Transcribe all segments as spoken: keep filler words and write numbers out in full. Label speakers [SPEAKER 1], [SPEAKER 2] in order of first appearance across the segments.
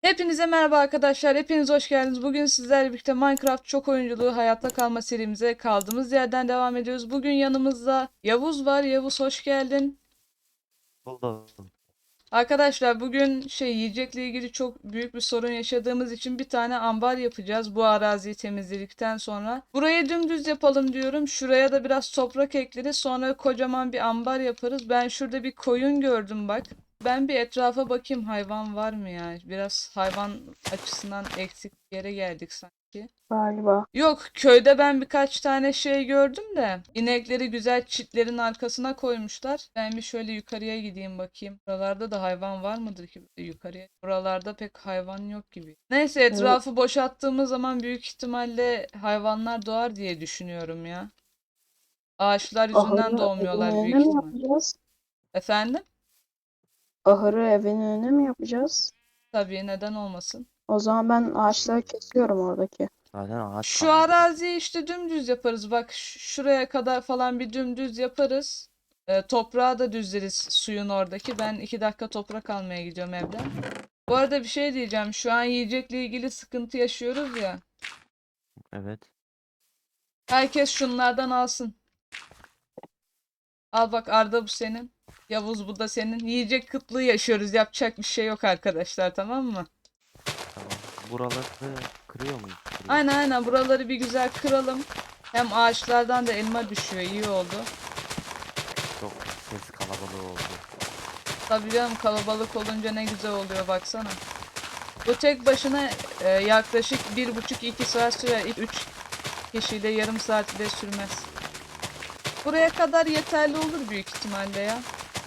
[SPEAKER 1] Hepinize merhaba arkadaşlar. Hepiniz hoş geldiniz. Bugün sizlerle birlikte Minecraft çok oyunculuğu hayatta kalma serimize kaldığımız yerden devam ediyoruz. Bugün yanımızda Yavuz var. Yavuz hoş geldin.
[SPEAKER 2] Buldum.
[SPEAKER 1] Arkadaşlar bugün şey yiyecekle ilgili çok büyük bir sorun yaşadığımız için bir tane ambar yapacağız bu araziyi temizledikten sonra. Burayı dümdüz yapalım diyorum. Şuraya da biraz toprak ekleriz. Sonra kocaman bir ambar yaparız. Ben şurada bir koyun gördüm bak. Ben bir etrafa bakayım hayvan var mı ya? Biraz hayvan açısından eksik bir yere geldik sanki.
[SPEAKER 3] Galiba.
[SPEAKER 1] Yok, köyde ben birkaç tane şey gördüm de inekleri güzel çitlerin arkasına koymuşlar. Ben bir şöyle yukarıya gideyim bakayım. Buralarda da hayvan var mıdır ki böyle yukarıya? Buralarda pek hayvan yok gibi. Neyse
[SPEAKER 3] Evet.
[SPEAKER 1] etrafı boşalttığımız zaman büyük ihtimalle hayvanlar doğar diye düşünüyorum ya. Ağaçlar yüzünden
[SPEAKER 3] Ahırı evin
[SPEAKER 1] doğmuyorlar
[SPEAKER 3] önüne
[SPEAKER 1] büyük
[SPEAKER 3] mi
[SPEAKER 1] ihtimal.
[SPEAKER 3] yapacağız?
[SPEAKER 1] Efendim?
[SPEAKER 3] Ahırı evin önüne mi yapacağız?
[SPEAKER 1] Tabii neden olmasın.
[SPEAKER 3] O zaman ben ağaçları kesiyorum oradaki.
[SPEAKER 2] Zaten ağaç
[SPEAKER 1] Şu
[SPEAKER 2] kalmadı.
[SPEAKER 1] araziyi işte dümdüz yaparız. Bak ş- şuraya kadar falan bir dümdüz yaparız. Ee, toprağı da düzleriz suyun oradaki. Ben iki dakika toprak almaya gidiyorum evden. Bu arada bir şey diyeceğim. Şu an yiyecekle ilgili sıkıntı yaşıyoruz ya.
[SPEAKER 2] Evet.
[SPEAKER 1] Herkes şunlardan alsın. Al bak Arda bu senin. Yavuz bu da senin. Yiyecek kıtlığı yaşıyoruz. Yapacak bir şey yok arkadaşlar, tamam mı?
[SPEAKER 2] Tamam. Buraları kırıyor muyuz? Kırıyor.
[SPEAKER 1] Aynen aynen buraları bir güzel kıralım. Hem ağaçlardan da elma düşüyor. İyi oldu.
[SPEAKER 2] Çok ses kalabalığı oldu.
[SPEAKER 1] Tabii canım kalabalık olunca ne güzel oluyor baksana. Bu tek başına e, yaklaşık bir buçuk iki saat sürer. İlk üç kişiyle yarım saat bile sürmez. Buraya kadar yeterli olur büyük ihtimalle ya.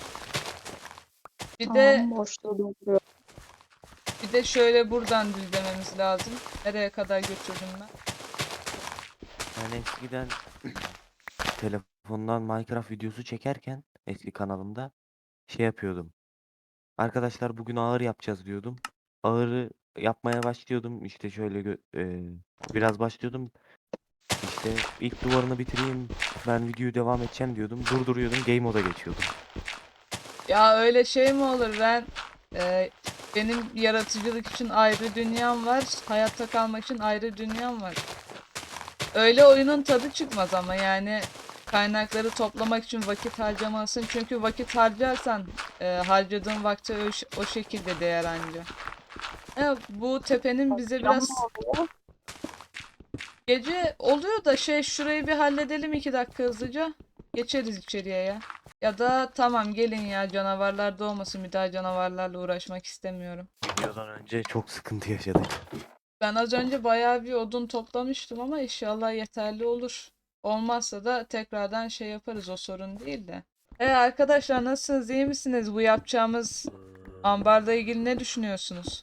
[SPEAKER 1] Bir de
[SPEAKER 3] Tamam, boşluğu dolduruyorum.
[SPEAKER 1] bir de şöyle buradan düzlememiz lazım. Nereye kadar götürdüm ben?
[SPEAKER 2] Ben eskiden telefondan Minecraft videosu çekerken eski kanalımda şey yapıyordum. Arkadaşlar bugün ağır yapacağız diyordum. Ağırı yapmaya başlıyordum. İşte şöyle gö- e, biraz başlıyordum. İşte ilk duvarını bitireyim. Ben videoyu devam edeceğim diyordum. Durduruyordum. Game moda geçiyordum.
[SPEAKER 1] Ya öyle şey mi olur? Ben e, benim yaratıcılık için ayrı dünyam var. Hayatta kalmak için ayrı dünyam var. Öyle oyunun tadı çıkmaz ama yani kaynakları toplamak için vakit harcamalısın. Çünkü vakit harcarsan e, harcadığın vakti o, o şekilde değer anca. E, bu tepenin bize
[SPEAKER 3] Akşam ne
[SPEAKER 1] biraz
[SPEAKER 3] oluyor?
[SPEAKER 1] gece oluyor da şey şurayı bir halledelim iki dakika hızlıca. Geçeriz içeriye ya. Ya da tamam gelin ya canavarlar doğmasın bir daha canavarlarla uğraşmak istemiyorum.
[SPEAKER 2] Videodan önce çok sıkıntı yaşadık.
[SPEAKER 1] Ben az önce bayağı bir odun toplamıştım ama inşallah yeterli olur. Olmazsa da tekrardan şey yaparız o sorun değil de. E arkadaşlar nasılsınız iyi misiniz? Bu yapacağımız ambarla ilgili ne düşünüyorsunuz?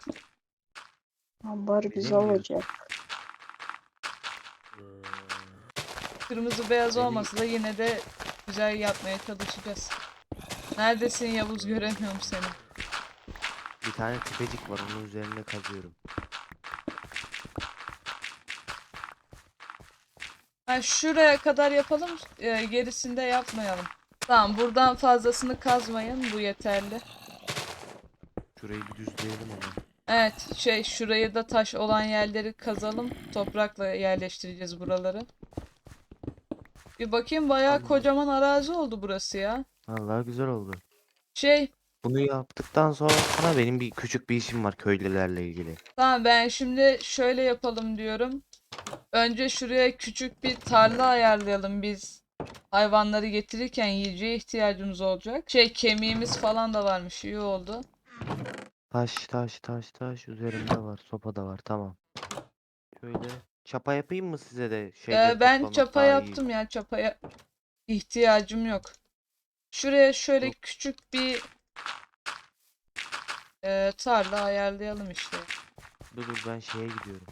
[SPEAKER 3] Ambar güzel
[SPEAKER 2] Bilemiyorum.
[SPEAKER 3] olacak.
[SPEAKER 1] Kırmızı beyaz
[SPEAKER 2] Beni
[SPEAKER 1] olmasa da yine de güzel yapmaya çalışacağız. Neredesin Yavuz göremiyorum seni.
[SPEAKER 2] bir tane tepecik var, onun üzerinde kazıyorum.
[SPEAKER 1] Ha, şuraya kadar yapalım e, gerisinde yapmayalım. Tamam buradan fazlasını kazmayın bu yeterli.
[SPEAKER 2] Şurayı bir düzleyelim ama.
[SPEAKER 1] Evet şey şurayı da taş olan yerleri kazalım. Toprakla yerleştireceğiz buraları. Bir bakayım bayağı
[SPEAKER 2] Tamam.
[SPEAKER 1] kocaman arazi oldu burası ya.
[SPEAKER 2] Vallahi güzel oldu.
[SPEAKER 1] Şey
[SPEAKER 2] Bunu yaptıktan sonra benim bir küçük bir işim var köylülerle ilgili.
[SPEAKER 1] tamam ben şimdi şöyle yapalım diyorum. Önce şuraya küçük bir tarla ayarlayalım biz. Hayvanları getirirken yiyeceğe ihtiyacımız olacak. Şey kemiğimiz falan da varmış iyi oldu.
[SPEAKER 2] Taş taş taş taş üzerimde var. Sopa da var, tamam. Şöyle çapa yapayım mı size de şeyleri
[SPEAKER 1] Ee, ben
[SPEAKER 2] toplamak
[SPEAKER 1] çapa
[SPEAKER 2] daha iyi.
[SPEAKER 1] yaptım ya çapaya ihtiyacım yok. Şuraya şöyle
[SPEAKER 2] Yok,
[SPEAKER 1] küçük bir e, tarla ayarlayalım işte.
[SPEAKER 2] dur dur ben şeye gidiyorum.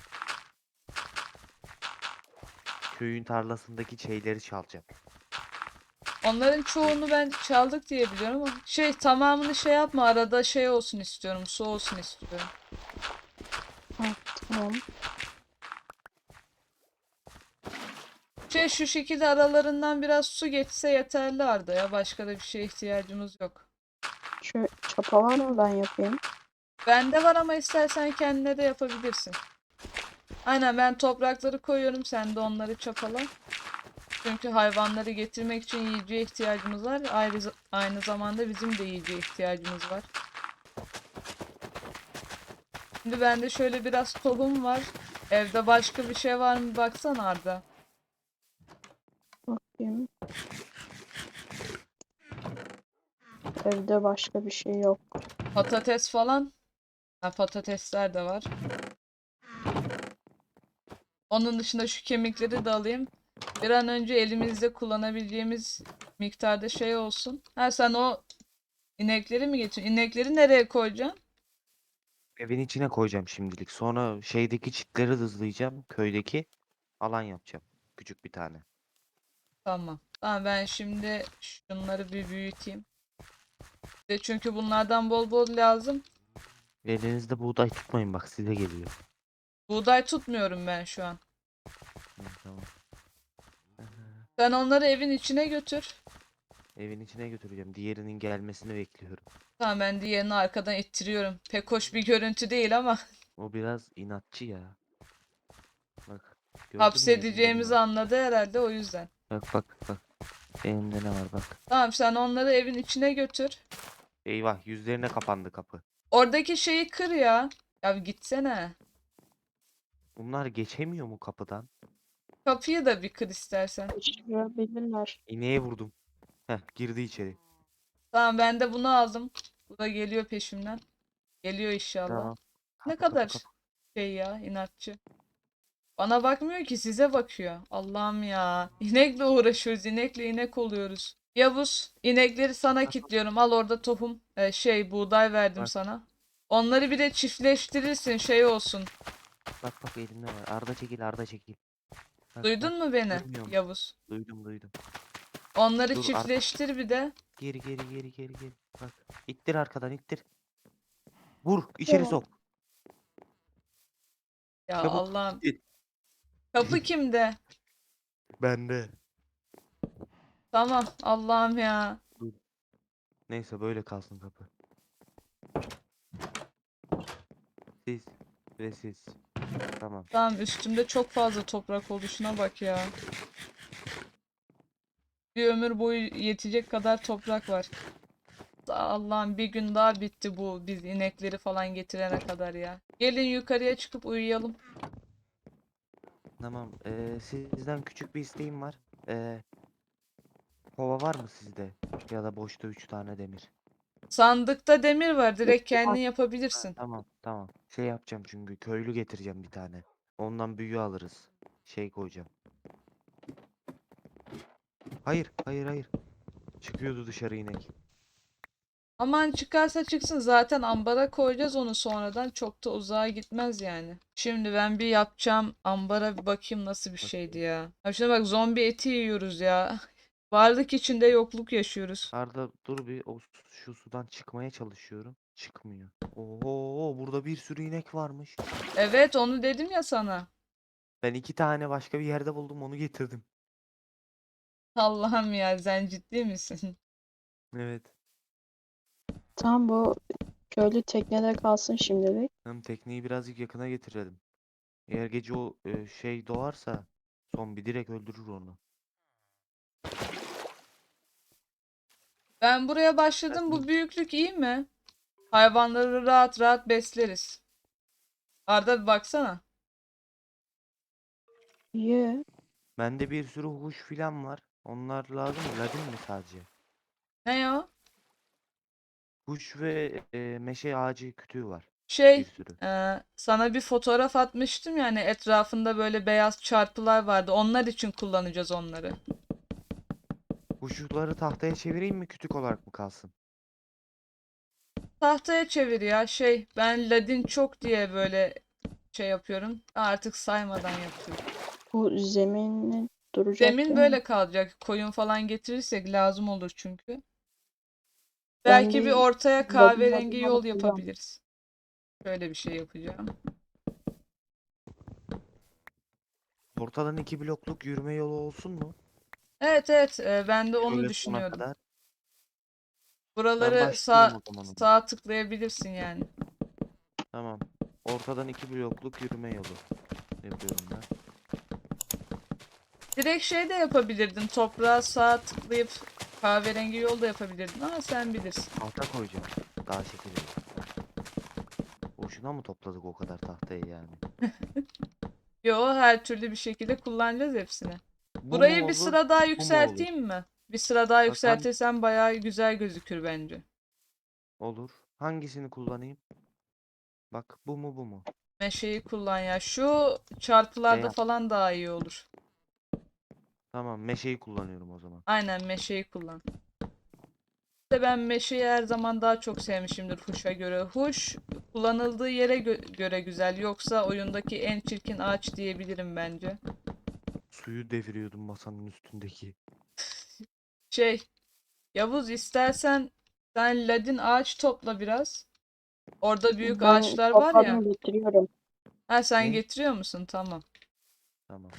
[SPEAKER 2] Köyün tarlasındaki şeyleri çalacağım.
[SPEAKER 1] Onların çoğunu ben çaldık diye biliyorum ama şey tamamını şey yapma arada şey olsun istiyorum su olsun istiyorum.
[SPEAKER 3] Ha, tamam.
[SPEAKER 1] Şey şu şekilde aralarından biraz su geçse yeterli Arda ya başka da bir şeye ihtiyacımız yok.
[SPEAKER 3] Şu çapa var mı, ben yapayım?
[SPEAKER 1] Bende var ama istersen kendine de yapabilirsin. Aynen, ben toprakları koyuyorum, sen de onları çapala. Çünkü hayvanları getirmek için yiyeceğe ihtiyacımız var. Ayrı, aynı zamanda bizim de yiyeceğe ihtiyacımız var. Şimdi bende şöyle biraz tohum var. Evde başka bir şey var mı baksana Arda.
[SPEAKER 3] Bakayım. Evde başka bir şey yok.
[SPEAKER 1] Patates falan. Ha, patatesler de var. Onun dışında şu kemikleri de alayım. Bir an önce elimizde kullanabileceğimiz miktarda şey olsun. Ha, sen o inekleri mi getiriyorsun? İnekleri nereye koyacaksın?
[SPEAKER 2] Evin içine koyacağım şimdilik. Sonra şeydeki çitleri hızlayacağım. Köydeki alan yapacağım. Küçük bir tane.
[SPEAKER 1] Tamam. Tamam, ben şimdi şunları bir büyüteyim. De çünkü bunlardan bol bol lazım.
[SPEAKER 2] Elinizde buğday tutmayın bak size geliyor.
[SPEAKER 1] Buğday tutmuyorum ben şu an.
[SPEAKER 2] Hı, tamam.
[SPEAKER 1] Sen onları evin içine götür.
[SPEAKER 2] Evin içine götüreceğim. Diğerinin gelmesini bekliyorum.
[SPEAKER 1] Tamam, ben diğerini arkadan ittiriyorum. Pek hoş bir görüntü değil ama
[SPEAKER 2] O biraz inatçı ya. Bak. Gördün mü elimde ne
[SPEAKER 1] hapsedeceğimizi
[SPEAKER 2] var?
[SPEAKER 1] anladı herhalde, o yüzden.
[SPEAKER 2] Bak bak bak. Elimde ne var bak.
[SPEAKER 1] Tamam, sen onları evin içine götür.
[SPEAKER 2] Eyvah yüzlerine kapandı kapı.
[SPEAKER 1] Oradaki şeyi kır ya. Ya bir gitsene.
[SPEAKER 2] Bunlar geçemiyor mu kapıdan?
[SPEAKER 1] Kapıyı da bir kır istersen.
[SPEAKER 3] Kaçırabilirler.
[SPEAKER 2] İneğe vurdum. Heh girdi içeri.
[SPEAKER 1] Tamam, ben de bunu aldım. Bu da geliyor peşimden. Geliyor inşallah.
[SPEAKER 2] Tamam.
[SPEAKER 1] Ne
[SPEAKER 2] Kapı kapı
[SPEAKER 1] kadar
[SPEAKER 2] kapı.
[SPEAKER 1] şey ya, inatçı. Bana bakmıyor ki, size bakıyor. Allah'ım ya. İnekle uğraşıyoruz. İnekle inek oluyoruz. Yavuz, inekleri sana
[SPEAKER 2] Bak
[SPEAKER 1] kilitliyorum. Al, orada tohum, e, şey buğday verdim
[SPEAKER 2] bak
[SPEAKER 1] sana. Onları bir de çiftleştirirsin, şey olsun.
[SPEAKER 2] bak bak elimde var. Arda çekil Arda çekil. Bak bak.
[SPEAKER 1] Duydun mu beni
[SPEAKER 2] Görmüyor musun?
[SPEAKER 1] Yavuz?
[SPEAKER 2] Duydum duydum.
[SPEAKER 1] Onları
[SPEAKER 2] Dur Arda.
[SPEAKER 1] çiftleştir bir de.
[SPEAKER 2] Geri geri geri geri geri. Bak. İttir arkadan ittir. Vur içeri
[SPEAKER 3] Yok.
[SPEAKER 2] sok.
[SPEAKER 1] Ya
[SPEAKER 2] Çabuk.
[SPEAKER 1] Allah'ım.
[SPEAKER 2] İttir.
[SPEAKER 1] Kapı kimde?
[SPEAKER 2] Bende.
[SPEAKER 1] Tamam, Allah'ım ya.
[SPEAKER 2] Dur. Neyse böyle kalsın kapı. Siz ve siz. Tamam.
[SPEAKER 1] Tamam, üstümde çok fazla toprak oluşuna bak ya. Bir ömür boyu yetecek kadar toprak var. Allah'ım, bir gün daha bitti bu biz inekleri falan getirene kadar ya. Gelin yukarıya çıkıp uyuyalım.
[SPEAKER 2] Tamam. Ee, sizden küçük bir isteğim var. Ee, kova var mı sizde? Ya da boşta üç tane demir.
[SPEAKER 1] Sandıkta demir var. Direkt
[SPEAKER 3] Var.
[SPEAKER 1] kendin
[SPEAKER 2] Ha,
[SPEAKER 1] yapabilirsin.
[SPEAKER 2] tamam tamam. Şey yapacağım çünkü köylü getireceğim bir tane. Ondan büyü alırız. Şey koyacağım. Hayır hayır hayır. Çıkıyordu dışarı inek.
[SPEAKER 1] Aman, çıkarsa çıksın, zaten ambara koyacağız onu sonradan. Çok da uzağa gitmez yani. Şimdi ben bir yapacağım ambara, bir bakayım nasıl bir şeydi
[SPEAKER 2] Bakayım.
[SPEAKER 1] ya. Ha şuna bak, zombi eti yiyoruz ya. Varlık içinde yokluk yaşıyoruz.
[SPEAKER 2] Arda dur bir o su- şu sudan çıkmaya çalışıyorum. Çıkmıyor. Oho burada bir sürü inek varmış.
[SPEAKER 1] Evet, onu dedim ya sana.
[SPEAKER 2] Ben iki tane başka bir yerde buldum onu getirdim.
[SPEAKER 1] Allah'ım ya, sen ciddi misin?
[SPEAKER 2] Evet.
[SPEAKER 3] Tam bu köylü teknede kalsın şimdilik.
[SPEAKER 2] Hem tekneyi birazcık yakına getirelim. Eğer gece o e, şey doğarsa zombi direkt öldürür onu.
[SPEAKER 1] Ben buraya başladım. Bu büyüklük iyi mi? Hayvanları rahat rahat besleriz. Arda bir baksana.
[SPEAKER 3] Ye.
[SPEAKER 2] Bende bir sürü huş filan var. Onlar lazım mı? Ladin mi sadece?
[SPEAKER 1] Ne o?
[SPEAKER 2] Huş ve e, meşe ağacı kütüğü var. Bir
[SPEAKER 1] Şey,
[SPEAKER 2] sürü.
[SPEAKER 1] e, sana bir fotoğraf atmıştım, yani etrafında böyle beyaz çarpılar vardı. Onlar için kullanacağız onları.
[SPEAKER 2] Huşları tahtaya çevireyim mi kütük olarak mı kalsın?
[SPEAKER 1] Tahtaya çevir ya. Şey, ben Ladin çok diye böyle şey yapıyorum. Artık saymadan yapıyorum.
[SPEAKER 3] Bu zemini duracak
[SPEAKER 1] Zemin
[SPEAKER 3] değil mi?
[SPEAKER 1] böyle kalacak. Koyun falan getirirsek lazım olur çünkü.
[SPEAKER 3] Ben
[SPEAKER 1] Belki bir
[SPEAKER 3] bir
[SPEAKER 1] ortaya
[SPEAKER 3] ladin
[SPEAKER 1] kahverengi
[SPEAKER 3] ladin
[SPEAKER 1] yol
[SPEAKER 3] alıp geliyorum.
[SPEAKER 1] yapabiliriz. Şöyle bir şey yapacağım.
[SPEAKER 2] Ortadan iki blokluk yürüme yolu olsun mu?
[SPEAKER 1] Evet, evet, e, ben de onu
[SPEAKER 2] Şöyle sona
[SPEAKER 1] düşünüyordum.
[SPEAKER 2] kadar. Ben
[SPEAKER 1] Buraları
[SPEAKER 2] başlayayım
[SPEAKER 1] sağ
[SPEAKER 2] o zaman ona.
[SPEAKER 1] sağa tıklayabilirsin yani.
[SPEAKER 2] Tamam. Ortadan iki blokluk yürüme yolu yapıyorum ben.
[SPEAKER 1] Direkt şey de yapabilirdin. Toprağa sağ tıklayıp kahverengi yol da yapabilirdin ama sen bilirsin.
[SPEAKER 2] Tahta koyacağım. Daha şekil. Boşuna mı topladık o kadar tahtayı yani?
[SPEAKER 1] Yo, her türlü bir şekilde kullanacağız hepsini.
[SPEAKER 2] Bu mu
[SPEAKER 1] Burayı bir
[SPEAKER 2] olur?
[SPEAKER 1] sıra daha
[SPEAKER 2] Bu mu olur?
[SPEAKER 1] yükselteyim mi? Bir sıra daha
[SPEAKER 2] Bak hangi
[SPEAKER 1] yükseltirsem bayağı güzel gözükür bence.
[SPEAKER 2] olur? Hangisini kullanayım? Bak bu mu bu mu?
[SPEAKER 1] Meşeyi kullan ya. Şu çarpılarda
[SPEAKER 2] Beyaz.
[SPEAKER 1] falan daha iyi olur.
[SPEAKER 2] Tamam, meşeyi kullanıyorum o zaman.
[SPEAKER 1] Aynen meşeyi kullan. De ben meşeyi her zaman daha çok sevmişimdir huşa göre. Huş kullanıldığı yere gö- göre güzel. Yoksa oyundaki en çirkin ağaç diyebilirim bence.
[SPEAKER 2] Suyu deviriyordum masanın üstündeki.
[SPEAKER 1] Şey, Yavuz istersen sen ladin ağaç topla biraz. Orada büyük
[SPEAKER 3] Ben
[SPEAKER 1] ağaçlar var ya.
[SPEAKER 3] topladım getiriyorum.
[SPEAKER 1] Ha sen
[SPEAKER 2] Ne?
[SPEAKER 1] getiriyor musun? Tamam.
[SPEAKER 2] Tamam.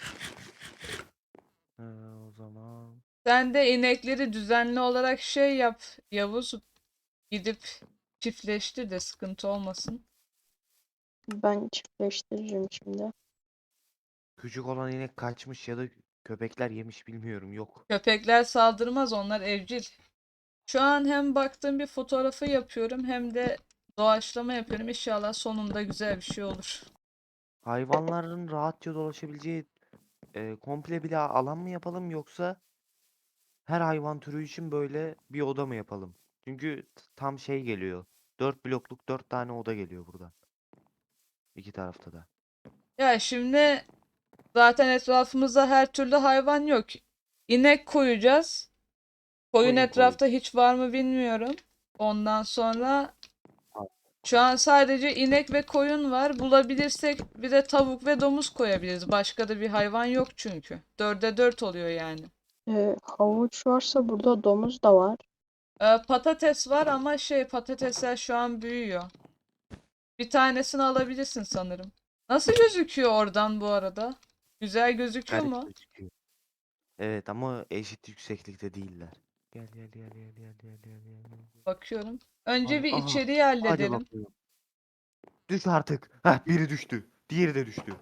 [SPEAKER 2] Ee, o zaman
[SPEAKER 1] Sen de inekleri düzenli olarak şey yap Yavuz. Gidip çiftleştir de sıkıntı olmasın.
[SPEAKER 3] Ben çiftleştiririm şimdi.
[SPEAKER 2] küçük olan inek kaçmış ya da köpekler yemiş bilmiyorum. Yok.
[SPEAKER 1] Köpekler saldırmaz, onlar evcil. Şu an hem baktığım bir fotoğrafı yapıyorum hem de doğaçlama yapıyorum. İnşallah sonunda güzel bir şey olur.
[SPEAKER 2] Hayvanların rahatça dolaşabileceği e, komple bir alan mı yapalım yoksa her hayvan türü için böyle bir oda mı yapalım? Çünkü t- tam şey geliyor. Dört blokluk dört tane oda geliyor buradan. İki tarafta da.
[SPEAKER 1] Ya şimdi zaten etrafımızda her türlü hayvan yok. İnek koyacağız. Koyun
[SPEAKER 2] Koyun koyun.
[SPEAKER 1] etrafta hiç var mı bilmiyorum. Ondan sonra
[SPEAKER 2] Al.
[SPEAKER 1] şu an sadece inek ve koyun var. Bulabilirsek bir de tavuk ve domuz koyabiliriz. Başka da bir hayvan yok çünkü. Dörde dört oluyor yani.
[SPEAKER 3] Ee, havuç varsa burada domuz da var.
[SPEAKER 1] Ee, patates var ama şey patatesler şu an büyüyor. Bir tanesini alabilirsin sanırım. Nasıl gözüküyor oradan bu arada? Güzel gözüküyor
[SPEAKER 2] Garip
[SPEAKER 1] mu?
[SPEAKER 2] gözüküyor. Evet ama eşit yükseklikte değiller. Gel gel gel gel gel gel gel gel. gel.
[SPEAKER 1] Bakıyorum. Önce
[SPEAKER 2] Hadi,
[SPEAKER 1] bir
[SPEAKER 2] aha,
[SPEAKER 1] içeriği
[SPEAKER 2] hadi
[SPEAKER 1] halledelim.
[SPEAKER 2] bakıyorum. Düş artık. Heh, biri düştü. Diğeri de düştü.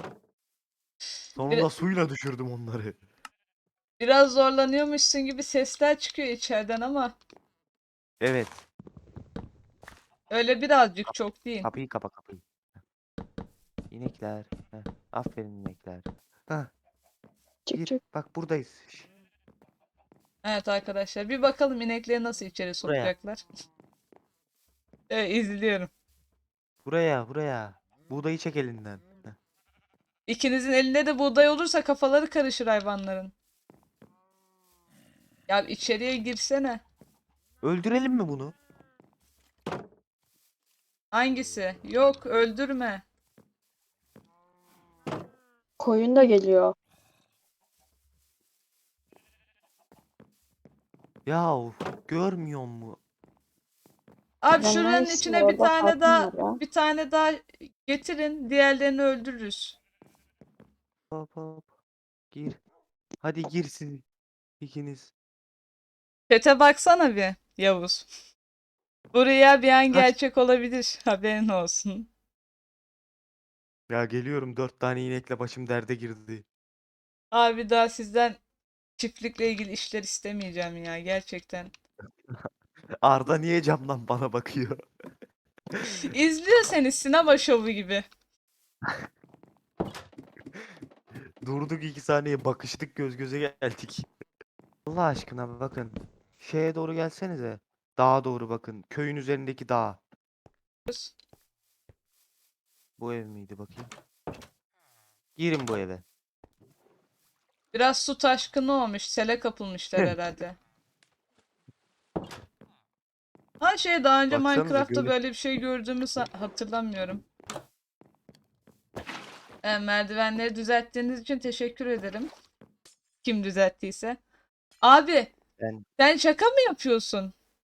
[SPEAKER 1] Bir-
[SPEAKER 2] Sonunda suyla düşürdüm onları.
[SPEAKER 1] biraz zorlanıyormuşsun gibi sesler çıkıyor içeriden ama
[SPEAKER 2] Evet.
[SPEAKER 1] öyle birazcık, çok değil.
[SPEAKER 2] Kapıyı kapa kapıyı. İnekler. Heh, aferin inekler. Heh,
[SPEAKER 3] Çık
[SPEAKER 2] gir.
[SPEAKER 3] çık.
[SPEAKER 2] Bak buradayız. Şş,
[SPEAKER 1] Evet arkadaşlar, bir bakalım inekleri nasıl içeri
[SPEAKER 2] buraya.
[SPEAKER 1] sokacaklar. Evet, izliyorum.
[SPEAKER 2] Buraya buraya. Buğdayı çek elinden. Heh.
[SPEAKER 1] İkinizin elinde de buğday olursa kafaları karışır hayvanların. Ya içeriye girsene.
[SPEAKER 2] Öldürelim mi bunu?
[SPEAKER 1] Hangisi? Yok, öldürme.
[SPEAKER 3] Koyun da geliyor.
[SPEAKER 2] Yahu görmüyor mu?
[SPEAKER 1] Abi
[SPEAKER 3] Ben
[SPEAKER 1] şuranın
[SPEAKER 3] neredesin?
[SPEAKER 1] içine bir
[SPEAKER 3] Orada
[SPEAKER 1] tane
[SPEAKER 3] kalsın
[SPEAKER 1] daha
[SPEAKER 3] var ya.
[SPEAKER 1] bir tane daha getirin. Diğerlerini öldürürüz.
[SPEAKER 2] Hop hop. Gir. Hadi gir siz ikiniz.
[SPEAKER 1] Çete baksana bir Yavuz. Bu rüya bir an
[SPEAKER 2] Kaç.
[SPEAKER 1] gerçek olabilir. Haberin olsun.
[SPEAKER 2] Ya geliyorum, dört tane inekle başım derde girdi.
[SPEAKER 1] Abi daha sizden çiftlikle ilgili işler istemeyeceğim ya gerçekten.
[SPEAKER 2] Arda niye camdan bana bakıyor?
[SPEAKER 1] İzliyor seni sinema şovu gibi.
[SPEAKER 2] Durduk iki saniye bakıştık, göz göze geldik. Allah aşkına bakın. Şeye doğru gelsenize. Dağa doğru bakın. Köyün üzerindeki dağ. Bu ev miydi bakayım? Girin bu eve.
[SPEAKER 1] Biraz su taşkını olmuş. Sele kapılmışlar herhalde. Ha şey, daha önce
[SPEAKER 2] Baksanıza
[SPEAKER 1] Minecraft'ta
[SPEAKER 2] göle.
[SPEAKER 1] böyle bir şey gördüğümü sa- hatırlamıyorum. E, merdivenleri düzelttiğiniz için teşekkür ederim. Kim düzelttiyse. Abi
[SPEAKER 2] Ben
[SPEAKER 1] sen şaka mı yapıyorsun?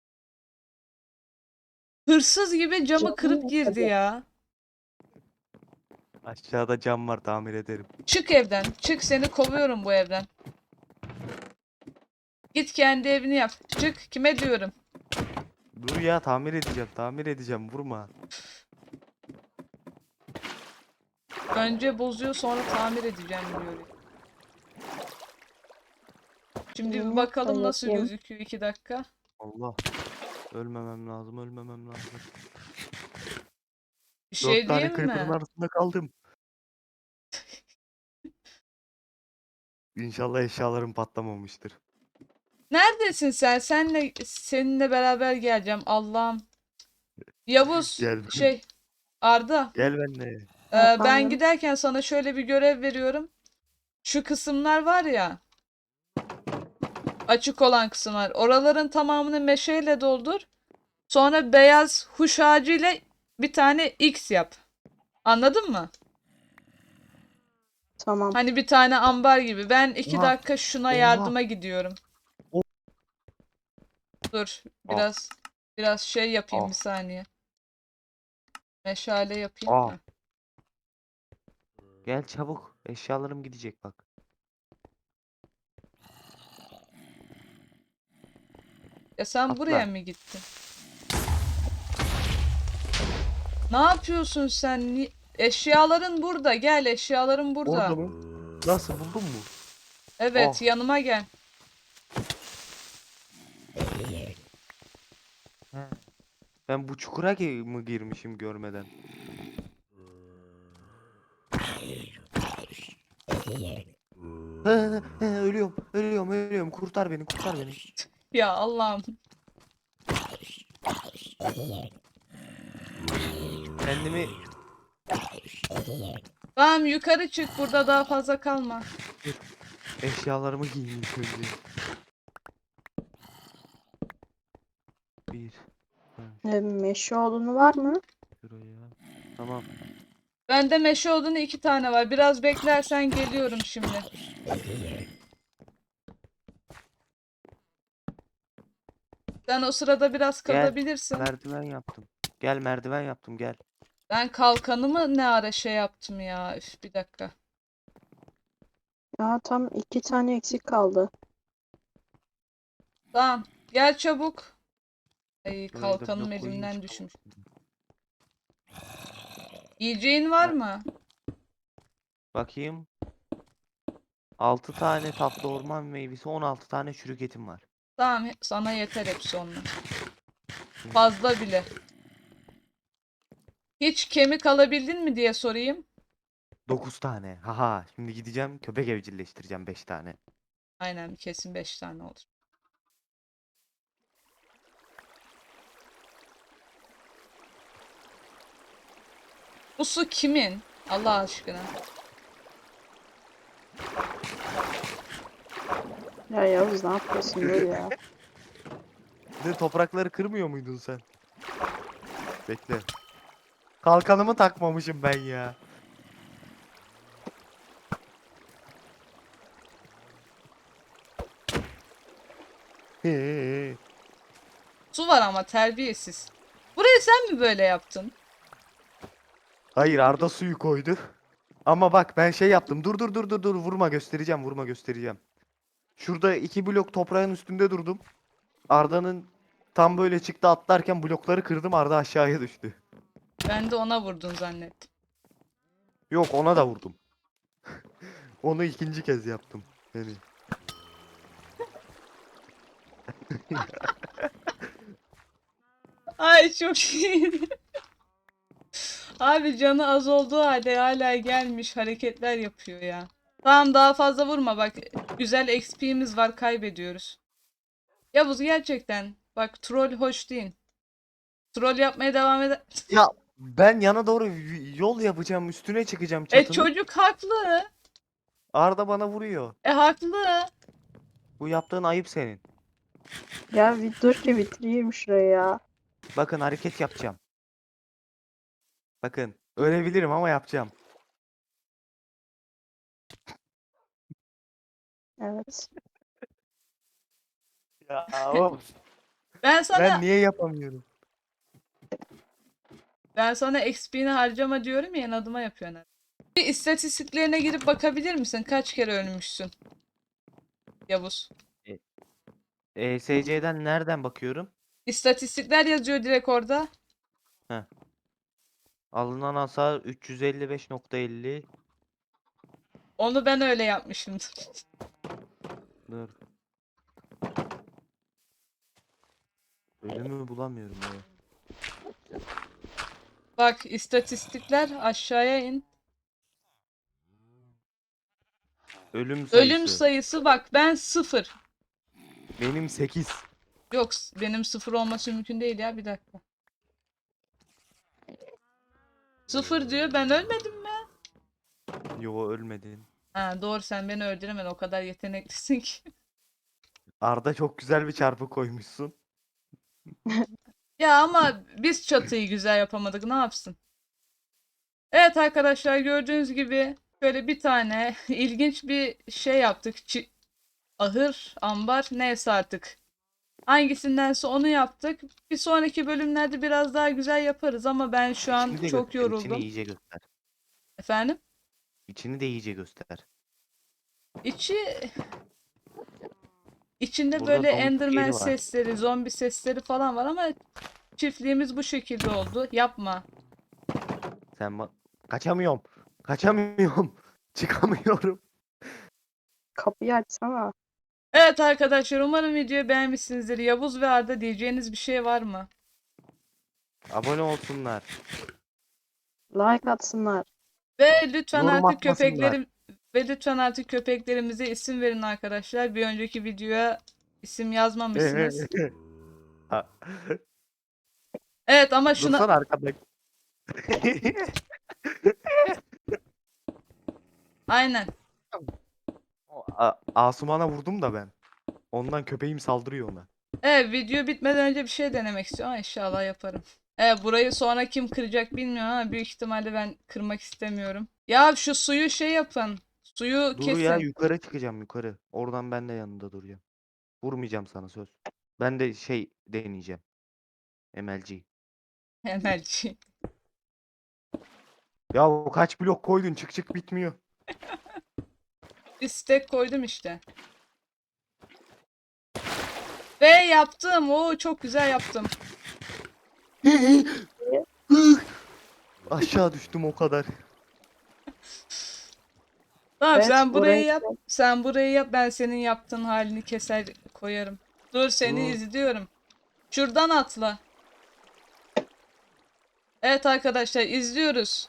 [SPEAKER 1] Hırsız gibi camı
[SPEAKER 3] Canım
[SPEAKER 1] kırıp
[SPEAKER 3] yok
[SPEAKER 1] girdi
[SPEAKER 3] tabii.
[SPEAKER 1] ya.
[SPEAKER 2] aşağıda cam var, tamir ederim.
[SPEAKER 1] Çık evden. Çık, seni kovuyorum bu evden. Git kendi evini yap. Çık, kime diyorum.
[SPEAKER 2] Dur ya, tamir edeceğim tamir edeceğim, vurma.
[SPEAKER 1] Önce bozuyor sonra tamir edeceğim diyor. Şimdi bir
[SPEAKER 3] İyi,
[SPEAKER 1] bakalım
[SPEAKER 3] ben
[SPEAKER 1] nasıl
[SPEAKER 3] yapayım.
[SPEAKER 1] gözüküyor iki dakika.
[SPEAKER 2] Allah. Ölmemem lazım, ölmemem lazım.
[SPEAKER 1] Bir
[SPEAKER 2] Dört
[SPEAKER 1] şey
[SPEAKER 2] tane
[SPEAKER 1] diyeyim
[SPEAKER 2] creeper'ın
[SPEAKER 1] mi?
[SPEAKER 2] arasında kaldım. İnşallah eşyalarım patlamamıştır.
[SPEAKER 1] Neredesin sen? Senle seninle beraber geleceğim. Allah'ım. Yavuz
[SPEAKER 2] Gel ben.
[SPEAKER 1] şey Arda.
[SPEAKER 2] Gel benimle.
[SPEAKER 1] e, ben
[SPEAKER 3] Efendim?
[SPEAKER 1] giderken sana şöyle bir görev veriyorum. Şu kısımlar var ya, açık olan kısımlar. Oraların tamamını meşeyle doldur. Sonra beyaz huş ağacıyla bir tane X yap. Anladın mı?
[SPEAKER 3] Tamam.
[SPEAKER 1] Hani bir tane ambar gibi. Ben iki
[SPEAKER 2] Oha.
[SPEAKER 1] dakika şuna
[SPEAKER 2] Oha.
[SPEAKER 1] yardıma gidiyorum.
[SPEAKER 2] O-
[SPEAKER 1] Dur
[SPEAKER 2] Ah.
[SPEAKER 1] biraz biraz şey yapayım
[SPEAKER 2] Ah.
[SPEAKER 1] bir saniye. Meşale yapayım.
[SPEAKER 2] Ah.
[SPEAKER 1] Heh.
[SPEAKER 2] Gel çabuk. Eşyalarım gidecek bak.
[SPEAKER 1] Ya sen buraya
[SPEAKER 2] Atla.
[SPEAKER 1] mı gittin? Ne yapıyorsun sen? Ni- Eşyaların burada. Gel eşyaların burada.
[SPEAKER 2] Orada mı? Nasıl buldun mu?
[SPEAKER 1] Evet
[SPEAKER 2] Oh.
[SPEAKER 1] yanıma gel.
[SPEAKER 2] He. Ben bu çukura gi- mı girmişim görmeden? He, he, he, ölüyorum, ölüyorum, ölüyorum. Kurtar beni, kurtar beni.
[SPEAKER 1] Ya Allah'ım.
[SPEAKER 2] Kendimi
[SPEAKER 1] Tamam yukarı çık burada daha fazla kalma.
[SPEAKER 2] eşyalarımı giyeyim ilk önce. Bir. Ha,
[SPEAKER 3] E, meşe odunu var mı?
[SPEAKER 2] şuraya. Tamam.
[SPEAKER 1] Bende meşe odunu iki tane var. Biraz beklersen geliyorum şimdi. Sen o sırada biraz
[SPEAKER 2] Gel.
[SPEAKER 1] kalabilirsin.
[SPEAKER 2] Merdiven yaptım. Gel merdiven yaptım gel.
[SPEAKER 1] Ben kalkanımı ne ara şey yaptım ya. Üf, bir dakika.
[SPEAKER 3] Ya tam iki tane eksik kaldı.
[SPEAKER 1] Tamam. Gel çabuk. Ay
[SPEAKER 2] Buraya da
[SPEAKER 1] kalkanım
[SPEAKER 2] blok koyayım
[SPEAKER 1] elimden
[SPEAKER 2] çıkalım.
[SPEAKER 1] düşmüş. Yiyeceğin var mı?
[SPEAKER 2] Bakayım. altı tane tatlı orman meyvesi, on altı tane çürük etim var.
[SPEAKER 1] Tamam sana yeter hepsi onlar. Fazla bile. Hiç kemik alabildin mi diye sorayım.
[SPEAKER 2] dokuz tane. Haha. Şimdi gideceğim köpek evcilleştireceğim beş tane.
[SPEAKER 1] Aynen kesin beş tane olur. Bu su kimin? Allah aşkına.
[SPEAKER 3] Ya Yavuz ne yapıyorsun dur ya.
[SPEAKER 2] Ne toprakları kırmıyor muydun sen? Bekle. Kalkanımı takmamışım ben ya.
[SPEAKER 1] Su var ama terbiyesiz. Burayı sen mi böyle yaptın?
[SPEAKER 2] Hayır Arda suyu koydu. Ama bak ben şey yaptım. Dur dur dur dur dur vurma göstereceğim vurma göstereceğim. Şurada iki blok toprağın üstünde durdum. Arda'nın tam böyle çıktı atlarken blokları kırdım Arda aşağıya düştü.
[SPEAKER 1] Ben de ona vurdun zannettim.
[SPEAKER 2] Yok ona da vurdum. Onu ikinci kez yaptım. Yani.
[SPEAKER 1] Ay çok iyi. Abi canı az olduğu halde hala gelmiş hareketler yapıyor ya. Tamam daha fazla vurma bak. Güzel X P'miz var kaybediyoruz. Yavuz gerçekten. Bak troll hoş değil. Troll yapmaya devam eder.
[SPEAKER 2] Ya ben yana doğru y- yol yapacağım üstüne çıkacağım
[SPEAKER 1] E
[SPEAKER 2] çatının.
[SPEAKER 1] çocuk haklı.
[SPEAKER 2] Arda bana vuruyor.
[SPEAKER 1] E haklı.
[SPEAKER 2] Bu yaptığın ayıp senin.
[SPEAKER 3] Ya bir dur ki bitireyim şurayı ya.
[SPEAKER 2] Bakın hareket yapacağım. Bakın ölebilirim ama yapacağım.
[SPEAKER 3] Evet.
[SPEAKER 2] Ya of.
[SPEAKER 1] Ben sana
[SPEAKER 2] Ben niye yapamıyorum?
[SPEAKER 1] ben sana X P'ni harcama diyorum ya adıma yapıyorsun. Bir istatistiklerine girip bakabilir misin? Kaç kere ölmüşsün? Yavuz.
[SPEAKER 2] E S C'den nereden bakıyorum?
[SPEAKER 1] İstatistikler yazıyor direkt orada.
[SPEAKER 2] Heh. Alınan hasar üç yüz elli beş nokta elli.
[SPEAKER 1] Onu ben öyle yapmışımdır.
[SPEAKER 2] Dur. Ölümü bulamıyorum ya.
[SPEAKER 1] Bak istatistikler aşağıya in.
[SPEAKER 2] Ölüm sayısı.
[SPEAKER 1] Ölüm sayısı bak ben sıfır.
[SPEAKER 2] Benim sekiz.
[SPEAKER 1] Yok benim sıfır olması mümkün değil ya bir dakika. Sıfır diyor ben ölmedim mi?
[SPEAKER 2] Yo, ölmedin.
[SPEAKER 1] Ha doğru sen beni öldüremedin o kadar yeteneklisin ki.
[SPEAKER 2] Arda çok güzel bir çarpı koymuşsun.
[SPEAKER 1] Ya ama biz çatıyı güzel yapamadık ne yapsın? Evet arkadaşlar gördüğünüz gibi şöyle bir tane ilginç bir şey yaptık. Çi- ahır, ambar neyse artık. Hangisindense onu yaptık. Bir sonraki bölümlerde biraz daha güzel yaparız ama ben şu an
[SPEAKER 2] İçini de
[SPEAKER 1] çok
[SPEAKER 2] göster. İçini
[SPEAKER 1] yoruldum.
[SPEAKER 2] iyice göster.
[SPEAKER 1] Efendim?
[SPEAKER 2] İçini de iyice göster.
[SPEAKER 1] İçi içinde
[SPEAKER 2] Burada
[SPEAKER 1] böyle
[SPEAKER 2] domuz
[SPEAKER 1] Enderman
[SPEAKER 2] yeri var.
[SPEAKER 1] sesleri, zombi sesleri falan var ama çiftliğimiz bu şekilde oldu. Yapma.
[SPEAKER 2] Sen ba- kaçamıyorum. Kaçamıyorum. Çıkamıyorum.
[SPEAKER 3] Kapıyı açsana.
[SPEAKER 1] Evet arkadaşlar umarım videoyu beğenmişsinizdir. Yavuz ve Arda diyeceğiniz bir şey var mı?
[SPEAKER 2] Abone olsunlar.
[SPEAKER 3] Like atsınlar.
[SPEAKER 1] Ve lütfen
[SPEAKER 2] Yorum
[SPEAKER 1] artık
[SPEAKER 2] atmasınlar.
[SPEAKER 1] köpeklerim ve lütfen artık köpeklerimize isim verin arkadaşlar. Bir önceki videoya isim yazmamışsınız.
[SPEAKER 2] Ha,
[SPEAKER 1] Evet ama şuna
[SPEAKER 2] Dursana arkada.
[SPEAKER 1] aynen.
[SPEAKER 2] A- Asuman'a vurdum da ben. Ondan köpeğim saldırıyor ona.
[SPEAKER 1] Evet video bitmeden önce bir şey denemek istiyorum ama inşallah yaparım. Evet burayı sonra kim kıracak bilmiyorum ama büyük ihtimalle ben kırmak istemiyorum. Ya şu suyu şey yapın. Suyu
[SPEAKER 2] Dur ya,
[SPEAKER 1] kesin.
[SPEAKER 2] yukarı çıkacağım yukarı. Oradan ben de yanında duracağım. Vurmayacağım sana söz. Ben de şey deneyeceğim. M L G.
[SPEAKER 1] Emelci.
[SPEAKER 2] Ya o kaç blok koydun, çık çık bitmiyor.
[SPEAKER 1] Bir stack koydum işte. Ve yaptım. Oo çok güzel yaptım.
[SPEAKER 2] Aşağı düştüm o kadar.
[SPEAKER 1] Tamam
[SPEAKER 3] Evet,
[SPEAKER 1] sen burayı
[SPEAKER 3] burayı
[SPEAKER 1] yap. Sen burayı yap. Ben senin yaptığın halini keser koyarım. Dur seni
[SPEAKER 2] Dur.
[SPEAKER 1] izliyorum. Şuradan atla. Evet arkadaşlar izliyoruz.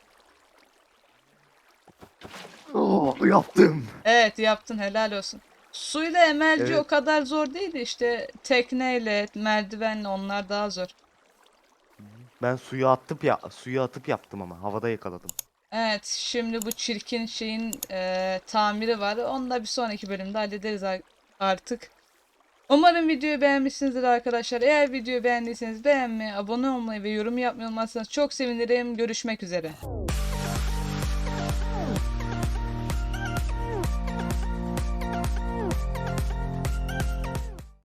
[SPEAKER 2] Oh, yaptım.
[SPEAKER 1] Evet yaptın helal olsun. Suyla emelci
[SPEAKER 2] Evet.
[SPEAKER 1] o kadar zor değildi işte tekneyle, merdivenle onlar daha zor.
[SPEAKER 2] Ben suyu atıp ya suyu atıp yaptım ama havada yakaladım.
[SPEAKER 1] Evet şimdi bu çirkin şeyin eee, tamiri var. Onu da bir sonraki bölümde hallederiz ar- artık. Umarım videoyu beğenmişsinizdir arkadaşlar. Eğer videoyu beğendiyseniz beğenmeyi, abone olmayı ve yorum yapmayı unutmazsanız çok sevinirim. Görüşmek üzere.